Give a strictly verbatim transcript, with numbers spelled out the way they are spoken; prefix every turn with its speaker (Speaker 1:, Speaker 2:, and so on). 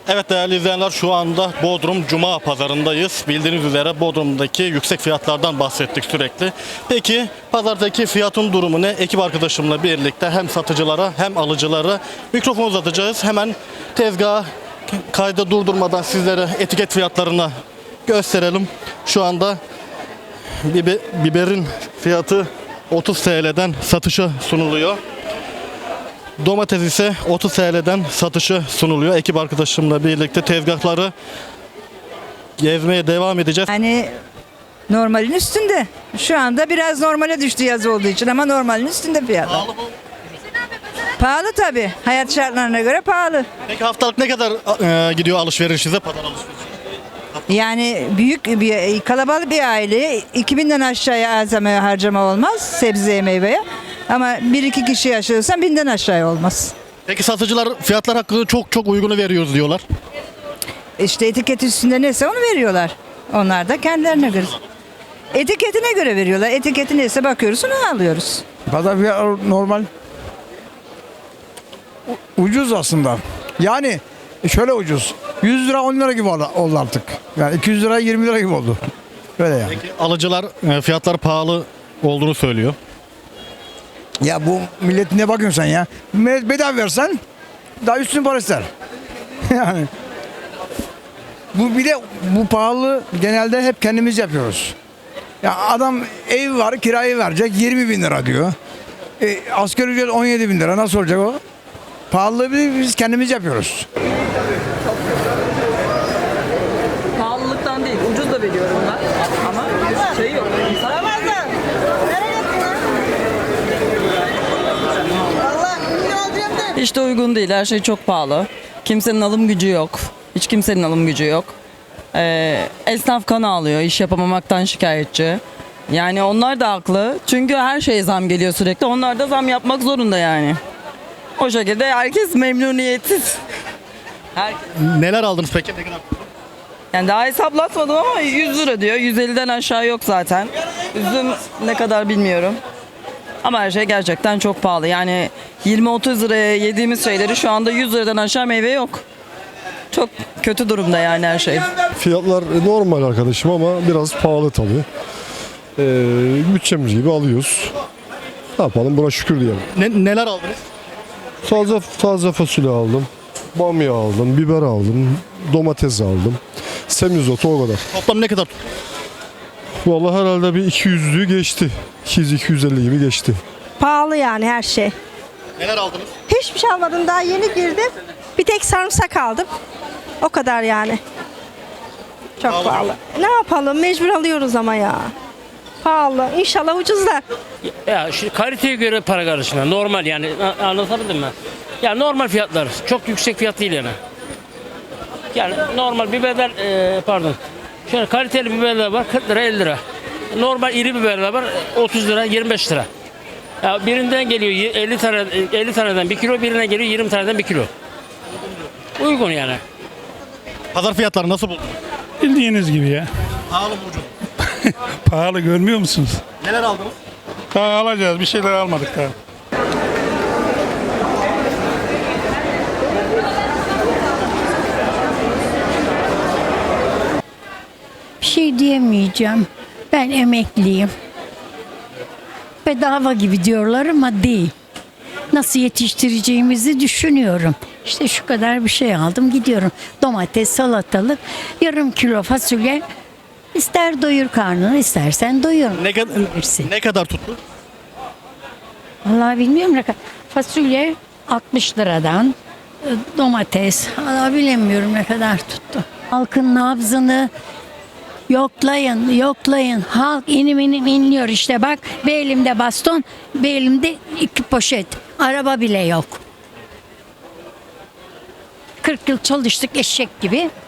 Speaker 1: Evet değerli izleyenler, şu anda Bodrum Cuma Pazarındayız. Bildiğiniz üzere Bodrum'daki yüksek fiyatlardan bahsettik sürekli. Peki pazardaki fiyatın durumu ne? Ekip arkadaşımla birlikte hem satıcılara hem alıcılara mikrofon uzatacağız. Hemen tezgahı kayda durdurmadan sizlere etiket fiyatlarını gösterelim. Şu anda bibe, biberin fiyatı otuz T L'den satışa sunuluyor. Domates ise otuz T L'den satışa sunuluyor. Ekip arkadaşımla birlikte tezgahları gezmeye devam edeceğiz.
Speaker 2: Yani normalin üstünde. Şu anda biraz normale düştü yaz olduğu için ama normalin üstünde fiyatlar.
Speaker 1: Pahalı mı?
Speaker 2: Pahalı tabii. Hayat şartlarına göre pahalı.
Speaker 1: Peki haftalık ne kadar e, gidiyor alışverişinize, pazar alışverişi?
Speaker 2: Yani büyük bir kalabalık bir aile iki binden aşağıya malzeme harcama olmaz sebzeye meyveye. Ama bir iki kişi yaşıyorsan binden aşağıya olmaz.
Speaker 1: Peki satıcılar fiyatlar hakkında çok çok uygunu veriyoruz diyorlar.
Speaker 2: İşte etiket üstünde neyse onu veriyorlar. Onlar da kendilerine göre. Etiketine göre veriyorlar. Etiketi neyse bakıyoruz onu alıyoruz.
Speaker 3: Pazar fiyatı normal. U- Ucuz aslında. Yani şöyle ucuz. yüz lira on lira gibi oldu oldu artık. Yani iki yüz lira yirmi lira gibi oldu. Böyle yani.
Speaker 1: Peki alıcılar e, fiyatlar pahalı olduğunu söylüyor.
Speaker 3: Ya bu millet ne bakıyorsun sen ya? Millet bedava versen daha üstün para ister. Yani bu bir de bu pahalı genelde hep kendimiz yapıyoruz. Ya adam ev var kirayı verecek yirmi bin lira diyor. E, asgari ücret on yedi bin lira nasıl olacak o? Pahalılığı biz biz kendimiz yapıyoruz.
Speaker 4: Pahalılıktan değil, ucuz da veriyorum ben. Ama şey yok. Hiç de uygun değil, her şey çok pahalı. Kimsenin alım gücü yok. Hiç kimsenin alım gücü yok. Ee, esnaf kan ağlıyor, iş yapamamaktan şikayetçi. Yani onlar da haklı. Çünkü her şeye zam geliyor sürekli. Onlar da zam yapmak zorunda yani. O şekilde herkes memnuniyetsiz. Herkes.
Speaker 1: Neler aldınız peki? Ne kadar?
Speaker 4: Yani daha hesaplatmadım ama yüz lira diyor. yüz elliden aşağı yok zaten. Üzüm ne kadar bilmiyorum. Ama her şey gerçekten çok pahalı. Yani yirmi otuz liraya yediğimiz şeyleri şu anda yüz liradan aşağı meyve yok. Çok kötü durumda yani her şey.
Speaker 5: Fiyatlar normal arkadaşım ama biraz pahalı tabii. Ee, bütçemiz gibi alıyoruz. Ne yapalım, buna şükür diyelim.
Speaker 1: Ne, neler aldınız?
Speaker 5: Taze, taze fasulye aldım. Bamya aldım, biber aldım, domates aldım. Semizotu o kadar.
Speaker 1: Toplam ne kadar tuttu?
Speaker 5: Vallahi herhalde bir iki yüzlüğü geçti. iki yüz iki yüz elli gibi geçti.
Speaker 6: Pahalı yani her şey.
Speaker 1: Neler aldınız?
Speaker 6: Hiçbir şey almadım, daha yeni girdim. Bir tek sarımsak aldım. O kadar yani. Çok
Speaker 1: Pahalı.
Speaker 6: pahalı. Ne yapalım, mecbur alıyoruz ama ya. Pahalı. İnşallah ucuzlar.
Speaker 7: Ya şu kaliteye göre para karışımı. Normal yani. A- Anlatabildim mi? Ya normal fiyatlar. Çok yüksek fiyat değil yani. Yani normal biberler e, pardon. Şöyle kaliteli biberler var kırk lira elli lira. Normal iri biberler var otuz lira yirmi beş lira. Ya birinden geliyor y- elli tane elli taneden bir kilo, birine geliyor yirmi taneden bir kilo. Uygun yani.
Speaker 1: Pazar fiyatları nasıl buldunuz?
Speaker 8: Bildiğiniz gibi ya.
Speaker 1: Pahalı mı ucuz?
Speaker 8: Pahalı görmüyor musunuz?
Speaker 1: Neler aldınız?
Speaker 8: Daha alacağız. Bir şeyler almadık daha.
Speaker 9: Bir şey diyemeyeceğim. Ben emekliyim. Bedava gibi diyorlar ama değil. Nasıl yetiştireceğimizi düşünüyorum. İşte şu kadar bir şey aldım gidiyorum. Domates, salatalık, yarım kilo fasulye. İster doyur karnını, istersen doyur.
Speaker 1: Ne, kad-
Speaker 9: Hepsi.
Speaker 1: ne kadar tuttu?
Speaker 9: Vallahi bilmiyorum ne kadar. Fasulye altmış liradan, e, domates, vallahi bilemiyorum ne kadar tuttu. Halkın nabzını yoklayın, yoklayın. Halk inim inim inliyor işte bak. Bir elimde baston, bir elimde iki poşet. Araba bile yok. kırk yıl çalıştık eşek gibi.